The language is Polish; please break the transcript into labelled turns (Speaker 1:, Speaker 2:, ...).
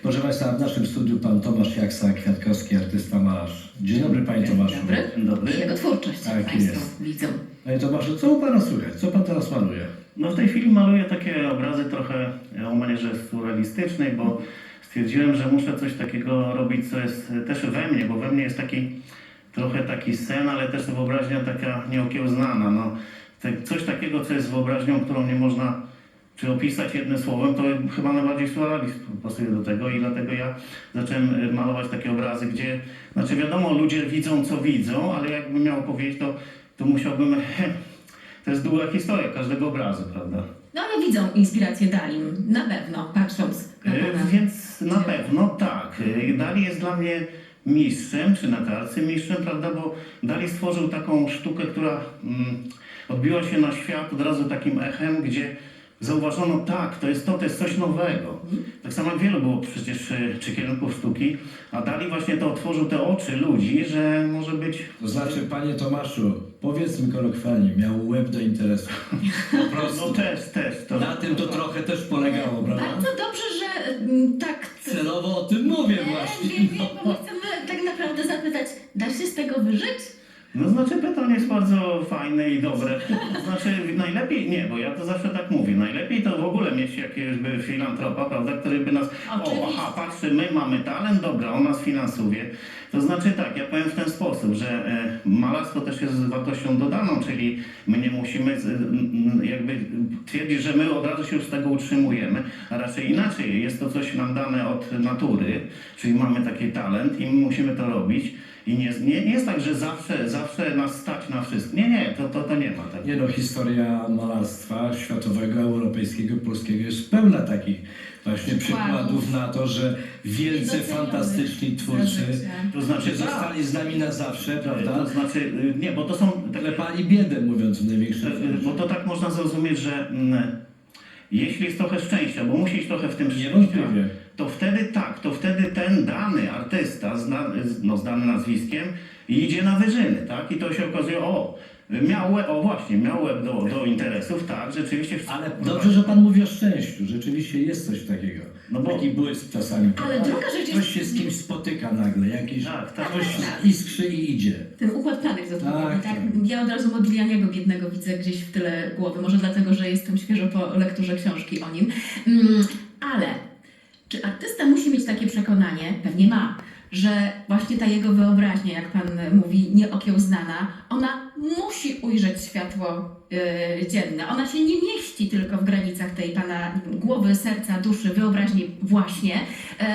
Speaker 1: Proszę Państwa, w naszym studiu pan Tomasz Jaksa, kwiatkowski artysta, malarz. Dzień dobry, Panie Tomaszu.
Speaker 2: Dzień dobry. I jego twórczość
Speaker 1: Tak
Speaker 2: Państwo
Speaker 1: jest.
Speaker 2: widzą.
Speaker 1: Panie Tomaszu, co u Pana słychać? Co Pan teraz maluje?
Speaker 3: No w tej chwili maluję takie obrazy trochę o manierze surrealistycznej, bo stwierdziłem, że muszę coś takiego robić, co jest też we mnie, bo we mnie jest trochę taki sen, ale też wyobraźnia taka nieokiełznana. No, coś takiego, co jest wyobraźnią, którą nie można opisać jednym słowem, to chyba najbardziej surrealizm pasuje do tego i dlatego ja zacząłem malować takie obrazy, gdzie, znaczy wiadomo, ludzie widzą, co widzą, ale jakbym miał powiedzieć, to musiałbym, to jest długa historia każdego obrazu, prawda?
Speaker 2: No ale widzą inspirację Dalim, na pewno, patrząc na pana.
Speaker 3: Więc na pewno tak. Dali jest dla mnie mistrzem, czy na arcymistrzem, prawda, bo Dali stworzył taką sztukę, która odbiła się na świat od razu takim echem, gdzie zauważono, tak, to jest coś nowego. Tak samo jak wielu było przecież czy kierunków sztuki, a Dali właśnie to otworzył te oczy ludzi, że może być...
Speaker 1: To znaczy, Panie Tomaszu, powiedzmy kolokwialnie, miał łeb do interesu. Po prostu.
Speaker 3: No też.
Speaker 1: Na tym to trochę też polegało, prawda?
Speaker 2: Bardzo dobrze, że tak...
Speaker 1: Celowo o tym mówię właśnie.
Speaker 2: Nie, bo my chcemy tak naprawdę zapytać, da się z tego wyżyć?
Speaker 3: No znaczy pytanie jest bardzo fajne i dobre. Znaczy najlepiej, nie, bo ja to zawsze tak mówię, najlepiej to w ogóle mieć jakiegoś filantropa, prawda, który by nas, patrzy, my mamy talent, dobra, on nas finansuje. To znaczy tak, ja powiem w ten sposób, że malarstwo też jest wartością dodaną, czyli my nie musimy jakby twierdzić, że my od razu się już z tego utrzymujemy, a raczej inaczej, jest to coś nam dane od natury, czyli mamy taki talent i my musimy to robić. I nie jest tak, że zawsze nas stać na wszystko. Nie, to nie ma tak.
Speaker 1: Nie no, historia malarstwa światowego, europejskiego, polskiego jest pełna takich właśnie przykładów na to, że wielce fantastyczni twórcy,
Speaker 3: To znaczy
Speaker 1: zostali z nami na zawsze, prawda?
Speaker 3: To znaczy, nie, bo to są...
Speaker 1: Klepali biedę, mówiąc w największym
Speaker 3: Bo to tak można zrozumieć, że jeśli jest trochę szczęścia, bo musi iść trochę w tym szczęścia,
Speaker 1: Niewątpliwie.
Speaker 3: to wtedy ten dany artysta, znany nazwiskiem, idzie na wyżyny, tak? I to się okazuje, miał łeb do interesów, tak, rzeczywiście...
Speaker 1: Ale dobrze, że Pan mówi o szczęściu. Rzeczywiście jest coś takiego.
Speaker 3: No bo-
Speaker 1: Taki błysk czasami.
Speaker 2: Ale druga rzecz jest...
Speaker 1: Ktoś się z kimś spotyka nagle, jakiś
Speaker 3: Tak.
Speaker 1: coś iskrzy i idzie.
Speaker 2: Ten układ planet
Speaker 1: Tak.
Speaker 2: zodpowiedni, tak? Ja od razu Modiglianiego biednego widzę gdzieś w tyle głowy. Może dlatego, że jestem świeżo po lekturze książki o nim. Ale czy artysta musi mieć takie przekonanie, pewnie ma, że właśnie ta jego wyobraźnia, jak pan mówi, nieokiełznana, ona musi ujrzeć światło dzienne. Ona się nie mieści tylko w granicach tej pana głowy, serca, duszy, wyobraźni właśnie.